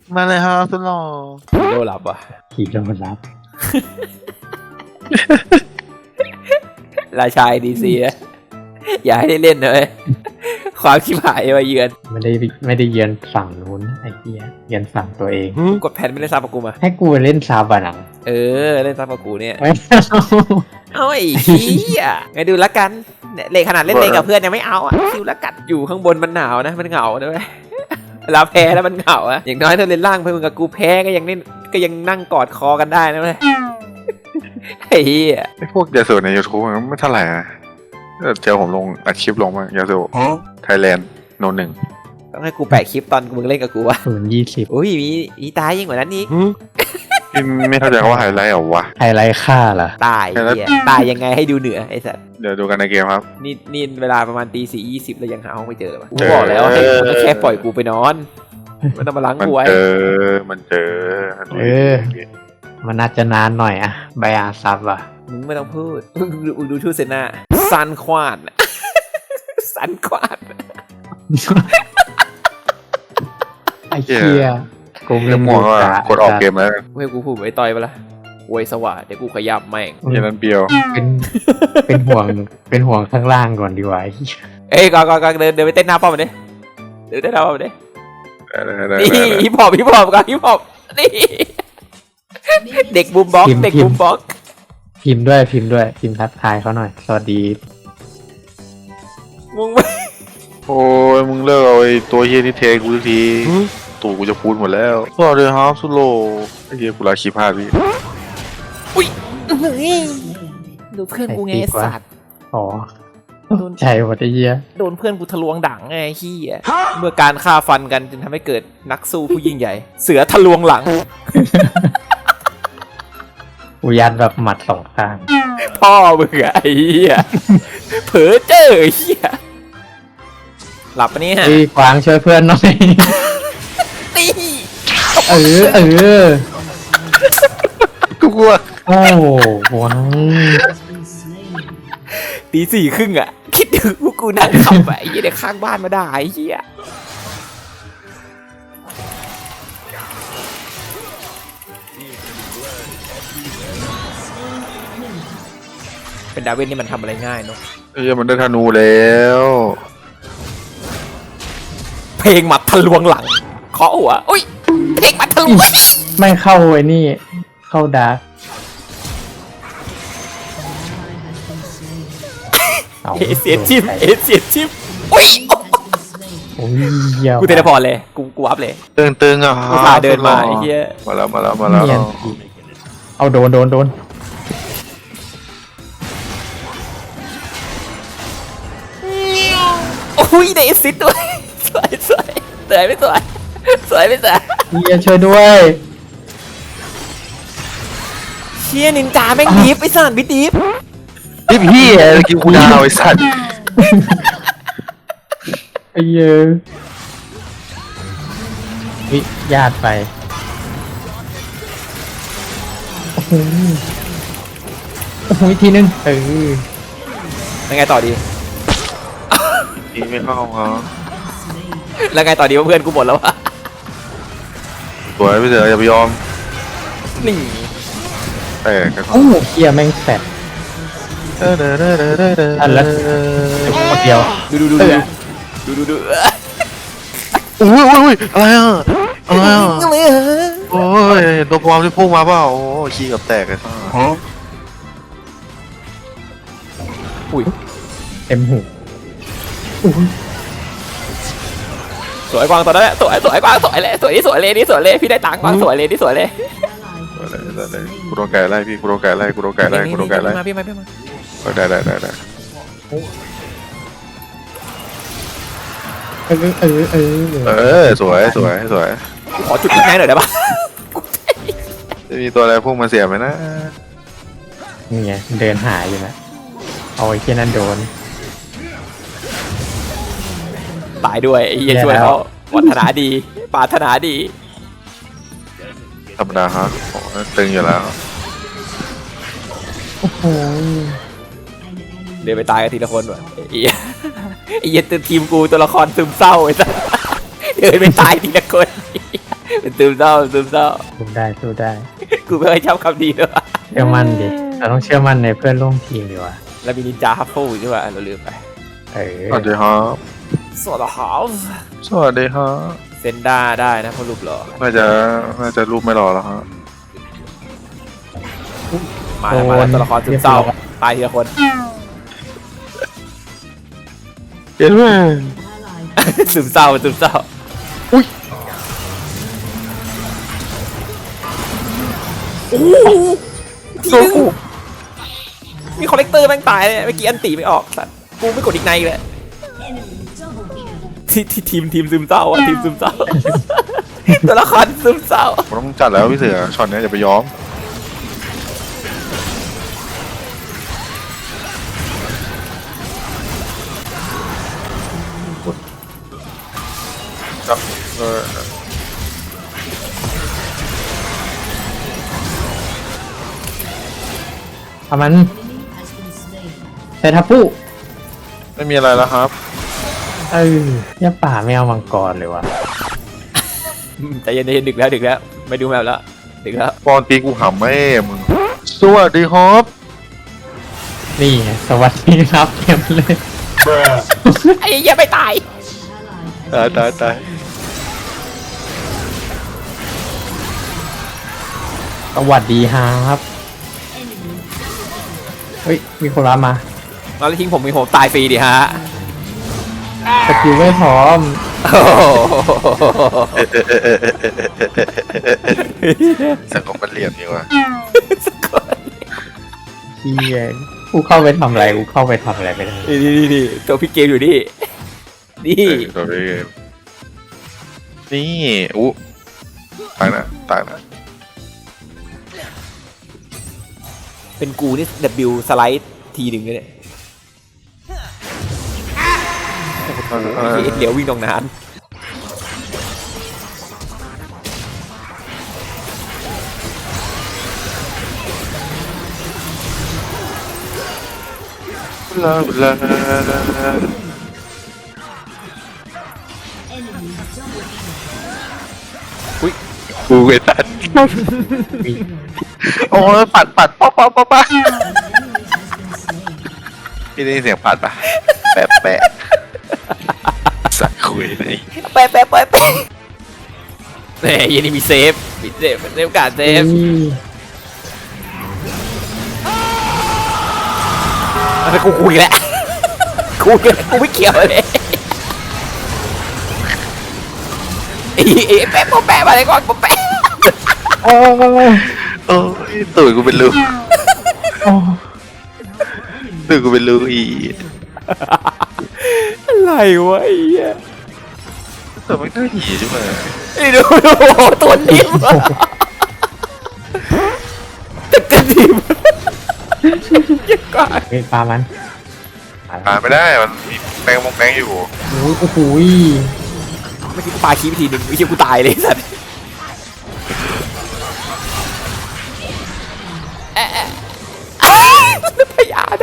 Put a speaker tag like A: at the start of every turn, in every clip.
A: มาเลยครับสุดหล่อ
B: โดนหลับอ่ะ
C: ขี่ลงมารับ
B: ราชาดีซีนะอย่าให้ได้เล่นเลยความชิบหายมาเยือน
C: ไม่ได้เยือนฝั่งนู้นไอ้เหี้ยเยือนฝั่งตัวเอง
B: กดแผ่นไม่ได้ซับกับกูมา
C: ให้กูไปเล่นซาบะหนัง
B: เออเล่นซับกับกูเนี่ย
C: ไม่เอา
B: เอาไอ้เหี้ยไงดูละกันเนี่ยเล่นขนาดเล่นเลงกับเพื่อนยังไม่เอาอ่ะคิวละกันอยู่ข้างบนมันหนาวนะมันเหงาด้วยเวลาแพ้แล้วมันเหงาอะอย่างน้อยถ้าเล่นล่างเพื่อนมึงกับกูแพ้ก็ยังเล่นก็ยังนั่งกอดคอกันได้นะเว้ยไอ้เหี้ย
A: ไอพวกยาสูบใน YouTube มันไม่เท่าไหร่นะเจอผมลงอัดคลิปลงมายาสูบไทยแลนด์โนหนึ่ง
B: ต้องให้กูแปะคลิปตอนมึงเล่นกับกูวะ
C: 0-20
B: อุ้ยมีตายยิ่งกว่านั้นอีก
A: พี่ไม่เข้าใจว่าไฮไลท์เหรอวะ
C: ไฮไลท์ค่าเหรอ
B: ตายเหี้ยตายยังไงให้ดูเหนือไอ้สัส
A: เดี๋ยวดูกันในเกมครับ
B: นี่เวลาประมาณตี 4:20แล้วยังหาห้องไม่เจอเลยวะกู
A: เจอ
B: บอกแล้วให้มึงก็แค่ปล่อยกูไปนอนไม่ต้องมาล้าง
A: มัน
B: กูไว้
A: เจอมันเจอ
C: มันน่าจะนานหน่อยอะใบอาซับอะ
B: มึงไม่ต้องพูดมึงดูชื่อเซน่าซันควานซันควาน
C: ไอ้เหี้ยกู
A: เรื่องหมดว่ากดออกเกมแล้ว
B: เว้ยกูพูดไว้ต่อยไปละอวยสวัสดเดี๋ยวกูขยับแม่ง
A: อย่างนั้นเบียว
C: เป็นห่วงข้างล่างก่อนดีกว่าไอ้เหี้ย
B: เอ้ยก่อนเดินไปเต้นหน้าป้อมมันดิเดินเต้นหน้าป้อมมันดินี่ฮิปฮอปก่อนฮิปฮอปนี่เด็กบูมบ็อกเด็กบูมบ็อก
C: พิมพ์ทักทายเขาหน่อย สวัสดี
B: มึงไม่
A: โอ้ยมึงเลิกเอาไอ้ตัวเฮียนี่เทกูสักทีตู่กูจะพูดหมดแล้วสวัสดีครับสุโลไอ้เฮียกูลาคีพลาดพี่
B: อุ้ยดูเพื่อนกูไงสัตว์
C: อ๋อใช่หมดไอ้เหี้ย
B: โดนเพื่อนกูทะลวงดังไงเฮียเมื่อการฆ่าฟันกันจึงทำให้เกิดนักสู้ผู้ยิ่งใหญ่ เสือทะลวงหลัง
C: อุยัดแบบหมัดสองข้าง
B: พ่อมึงอะไอ้เฮียเผลอเจอไอ้เฮียหลับปะเนี่ย
C: พี่กวางช่วยเพื่อนหน่อย
B: นี่
A: กูกลัว
C: โอ้กวาง
B: ตี 4:30อะคิดดูพวกกูนั่งขับไปไอ้เหี้ยเด็กข้างบ้านมาด่าไอ้เหี้ยเป็นดาวินนี่มันทำอะไรง่ายเนาะ
A: ไอ้เฮียมันได้ธนูแล้ว
B: เพลงหมัดทะลวงหลังเคาะหัวอุ้ยเพลงหมัดทะลวง
C: ไม่เข้าไอ้นี่ เข้าดาร์ก
B: เสียจิ้มอุ้ย
C: โอ้ยเหี้ย
B: กูเทเลพอร์ตเลยกูอัพเลย
A: ตึงอ่ะ
B: กูพาเดินมาไอ้เหี้ย
A: มาแล้ว
C: เนียนอีกเอาโดน
B: อุ้ยได้แอสซิสต์ด้วยสวยสวยไม่สวย
C: เฮียช่วยด้วย
B: เชี่ยนินจาแม่งดิฟไอ้สัตว์บิดดิฟ
A: นี่พี่เมื่อกี้กูดาวไอ้สัตว์
C: ไอ้เหี้ยวิญาติไปโอ้โหอีกทีนึง
B: แล้วไงต่อดี
A: นี่ไม่เข้าครับ
B: แล้วไงต่อดีว่าเพื่อนกูหมดแล้ววะ
A: สวยพี่เสืออย่าไปยอม
B: นี่
A: แต่กัน
C: โอ้โหเฮียแม่งแสบ อันละ คนเดียว
B: ดู
A: อุ้ยอะไรอ่ะโอ้ยตัวปลอมที่พุ่งมาเปล่าโอ้ขี้กับแตกเลย
B: อุ้ย
C: เต็มหู
B: สวยกวางตัวนั้นแหละสวยกวางสวยเลยนี่สวยเลยพี่ได้ตังค์กวางสวยเลยนี่สวยเลย
A: กูโดนไก่ไล่พี่กูโดนไก่ไล่
B: มาพี่มา
A: ได้ สวย
B: ขอจุดอีกแม่หน่อยได้ปะ
A: จะมีตัวอะไรพุ่งมาเสียบไหมนะ
C: นี่ไงเดินหาอยู่นะเอาไอ้เฮียนั่นโดน
B: ตายด้วยไอ้เหี้ยช่วยเขาปรารถนาดี
A: ธรรมดาฮะตึงอยู่แล้ว
C: โอ้โห
B: เดินไปตายกันทีละคนว่ะไอ้เหี้ยทีมกูตัวละครซึมเศร้าไอ้สัสเดินไปตายทีละคนเป็นซึมเศร้าซึมเศร้า
C: สู้ได้สู้ได้
B: กูไม่ค่อยชอบคำนี้เลยว่ะ
C: เชื่อมั่นดิเราต้องเชื่อมั่นในเพื่อนร่วมทีมดีกว่า
B: แล้วมีนินจาฮัฟเฟิลอยู่ด้วยว่ะเราลืมไป
A: สวัสดีครับ
B: สวัสดีครับ
A: สวัสดีครับ
B: เซนด้าได้นะเพราะรูปหล่อ
A: น่าจะรูปไม่รอแล้วฮะ
B: มาแล้วตัวละครซึมเศร้าตายทีละคน
A: เห็นไหม
B: ซึมเศร้าซึมเศร้า
A: อุ้ย
B: โอ้โหทีนึงมีคอลเลกเตอร์แม่งตายเลยเมื่อกี้อันตีไม่ออกสัตว์กูไม่กดอีกในเลยที่ทีมซึมเศร้าอ่ะทีมซึมเศร้า ตัวละครซึมเศร้า
A: ผมต้องจัดแล้วพี่เสือช็อตนี้อย่าไปยอมจับ
C: เอามันใส่ทับผู้
A: ไม่มีอะไรแล้วครับ
C: ย่าป่าไม่เอามังกรเลยวะ
B: แต่เย็นๆดึกแล้วไม่ดูแมวแล้วดึกแล้ว
A: ปอนตีกูหำแม่มึงสวัสดีครับ
C: นี่ไงสวัสดีครับเต็มเลย
B: ไอ้เหี้ยไม่ตาย
A: ตาย
C: สวัสดีครับเฮ้ยมีคนรับมา
B: แล้วทิ้งผมมีผมตายฟรีดิฮะ
C: สกิลไม่พร้อม
B: โอ้โห
A: สังคมมันเหลี่ยมดีว่ะ
C: เฮียกูเข้าไปทำอะไรกูเข้าไปทำอะไรไม่ได้
B: นี่ตัวพี่เกมอยู่นี่นี่
A: ตัวนี้นี่อู้ตายนะ
B: เป็นกูนี่ W สไลด์ทีหนึ่งเลยเนี่ยเดี๋ยววิ่งตรงนั้น
A: ลาลาอุ้ยกูเวตันโอ้ยปัดป๊อพี่ได้ยินเสียงปัดปะแปะสักคุยเลย
B: แปะเนี่ยยันนี่มีเซฟการเซฟอะไรกูคุยแล้วกูไม่เกี่ยวเลยไอ้แปะมาเลยก่อนแปะ
C: โอ้
A: โอ้ยตื่นกูเป็นลูกอี
B: อะไรวะไอ้เหี้ย
A: แต่ไม่น่าหีใช่ไหม
B: นี่ดูตัวนิ่มแต่นิ่มยังกว่า
C: เฮ้ยปลามัน
A: ผ่านไม่ได้มันมีแมงอยู่
C: โอ้โห
B: เมื่อกี้กูปาคีไปทีหนึ่งไม่ใช่กูตายเลยสัตว์พยานะ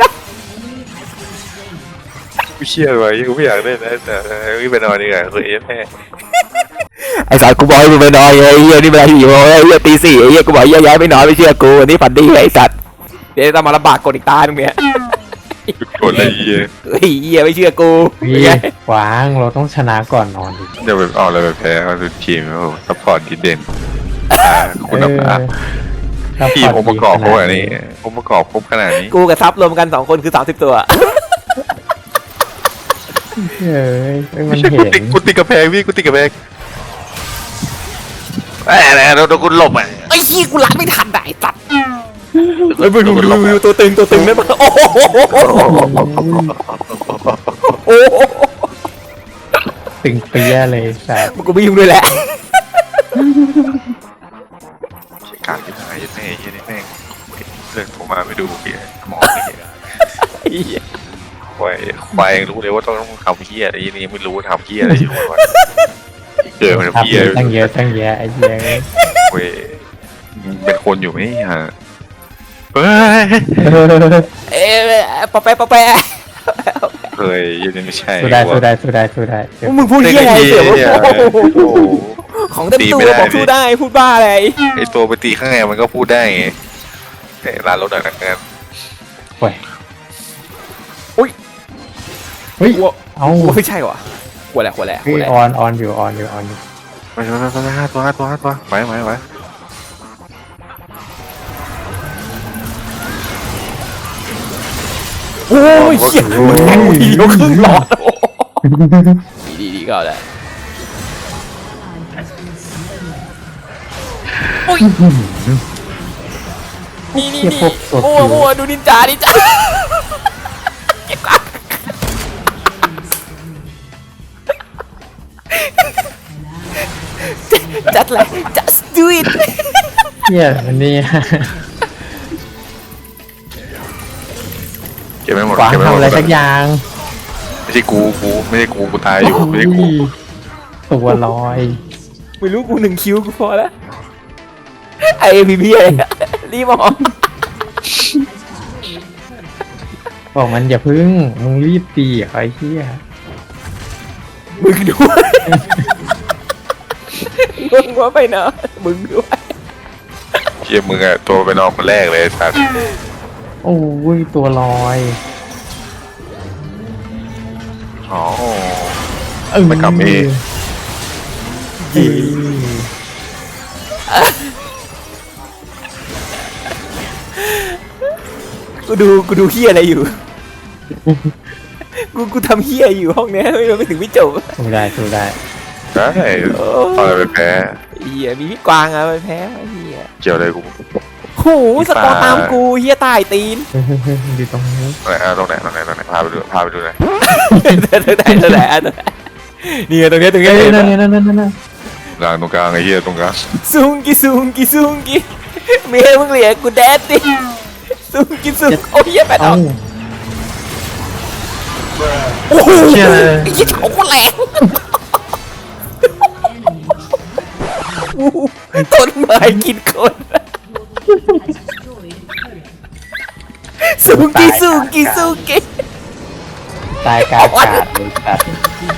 A: กูเชื่อไว้กูไม่อยากเล่นนะแต่ไม่ไปนอนดีกว่าคือแม่
B: ไอ้สารกูบอกให้มึงไปนอนไอ้เหี้ยนี่เวลา4 โมงไอ้เหี้ยตี 4ไอ้เหี้ยกูบอกย้ายไปนอนไม่เชื่อกูอันนี้ฝันดีไอ้สัตว์เดี๋ยวต้องมาลำบากกดอีกตาตรงเนี้ย
A: กดอะไรเหี้ย
B: เฮ้ยเหี้ยไม่เชื่อกู
C: พี่หวางเราต้องชนะก่อนนอนดิ
A: เดี๋ยวแบบออกอะไรแบบแพ้มันเป็นทีมโอ้ซัพพอร์ตที่เด่นคุณภาพทีมองค์ประกอบเขาแบบนี้องค์ประกอบครบขนาดนี้
B: กูกับซับรวมกัน2 คนคือ30 ตัว
C: เฮ้ยมัน
A: ไม่ใช่
C: เห็น
A: กูติดกระแพงพี่กูติดกระแพงแหมโดนกูหลบอ่ะ
B: ไอ้ขี้กูล้างไม่ทันไอ้สัตว์เฮ้ยมึงดูตัวตึงได้ปะโอ้โหโอ้โห
C: ตึงเปี้ยเลยสัตว์
B: กูไม่ยุ่งด้วยแหละ
A: การที่ไหนแม่ยี่นี่แม่งเรื่องโทรมาไม่ดูพี่หมอนี่ควายรู้เลยว่าต้องทำเหี้ยอะไรนี่ไม่รู้ทำเหี้ยอะไรอยู่วะเกิดมัน
C: ทับ
A: เหี้ย
C: ตั้งเยอะไอ้เหี้ย
A: เว้ยเป็นคนอยู่ไหมฮะเฮ้ย
B: ปะแปะ
A: เฮ้ยยังไม่ใช่
C: สู้ได้
B: มึงพูดเหี้ยอะไรเสือของเต็มตัว
A: ตีไม่ได้
B: บอกสู้ได้พูดบ้าอะไร
A: ไอตัวไปตีข้างในมันก็พูดได้ไงแต่ร้านรถหนักๆกัน
C: โอ้ย
B: อุ๊ย
C: เฮ้ย
B: กลัว
C: เอา
B: กลัวไม่ใช่วะกลัวแหละกลัวแหละ
C: เฮ้ยออนอยู่ออนอยู่
A: ไปห้าตัวไหว
B: โอ้ยเหี้ยมันแทงกูทีเดียวครึ่งหลอดดีก็แหละโอ้ยนี่
C: เทียบพวกสด
B: โอ้
C: อยู่
B: โหดูนินจาจัดเลย just do it
C: เฮียมันนี่
A: เก็บไม่หมด
C: ขวาง
A: เก็บไม่ห
C: ทำ
A: มด
C: อะไรสักอย่าง
A: ไม่ใช่กูไม่ใช่กูตายอยู่ไม่ใช่กู
C: ตัวลอย
B: ไม่รู้กู1 คิวกูพอแล้วไอพีอะไรรีบออก
C: บอกมันอย่าพึ่งมึงรีบตีไอ้เฮีย
B: มึงด้วยมึงว่าไปเนาะมึงด้วย
A: เชี่ยมึงอะตัวไปนอนคนแรกเลยสัตว์
C: โอ้ยตัวลอย
A: อ๋อ
C: เออ
A: มันกลับเอง
B: กูดูเฮียอะไรอยู่ กูทำเฮียอยู่ห้องเนี้ยไม่ถึงไม่จบ
C: สู้ได้
A: ได้ตอนไปแพ้
B: เฮียมีพี่กวางอะไปแพ้ไอ้เฮีย
A: เกี่ยวอะไรกู
B: โหสกอร์ตามกูเฮียตายตีน
C: เฮ้ยอยู่ตรงนี้
A: ตรงไหนพาไปดูหน่อย
B: ตัวไหนนี่ตรงนี้
C: เฮ้ยนั่น
A: กลางตรงกลางไอ้เหี้ยตรงกลาง
B: ซุงกิเมียมึงเหลียกูแดดดิซุงกิโอ้ยเฮียแปดออกโอ้โหไอ้ยี่เฉาคนแรงต้นไม้กินคนซุงกิ
C: ตายกาดเลยสัตว์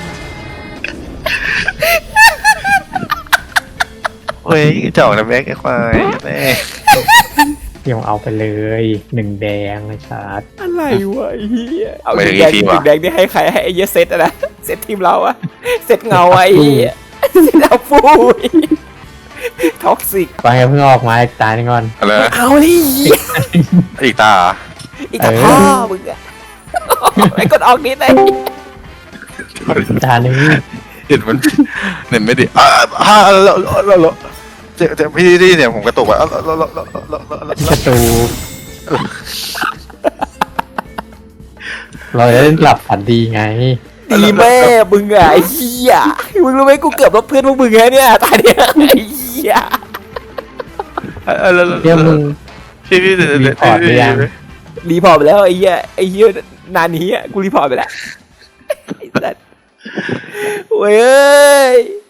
A: เฮ้ยเจ้านะแม็กไอ้ควายแม่
C: เดี๋ยวเอาไปเลย1 แดงเลยชาร์จ
B: อะไรวะไอ้เฮียเอาถึงแดงนี่ให้ใครให้ไอ้เหี้ยเซตอะนะเซตทีมเราอะเซตเงาไอ้เหี้ยเซตเอาฟูท็อกซิก
C: ฟังอย่าเพิ่งออกมาอีกตาหนึ่งก่อน
A: อะไร
B: เอาเลย
A: อีกตา
B: อีกกับพ่อมึงอะไอ้กดออกนิดเลย
C: ตาหนึ่ง
A: เห็นมันเห็นไม่ดีแล้วเจ็บพี่ดีเนี่ยผมกระตุกอ่ะ
C: ประตูเราจะได้หลับฝันดีไง
B: ดีแม่มึงอะไอ้เหี้ยมึงรู้ไหมกูเกือบลบเพื่อนพวกมึงไงเนี่ยตาเนี้ยไอ้เหี้ย
C: เดี๋ยวมึง
A: พี่
C: รีพอร์ตหรือยัง
B: รีพอร์ตไปแล้วไอ้เหี้ยนานนี้อะกูรีพอร์ตไปแล้วไอ้สัสโว้ย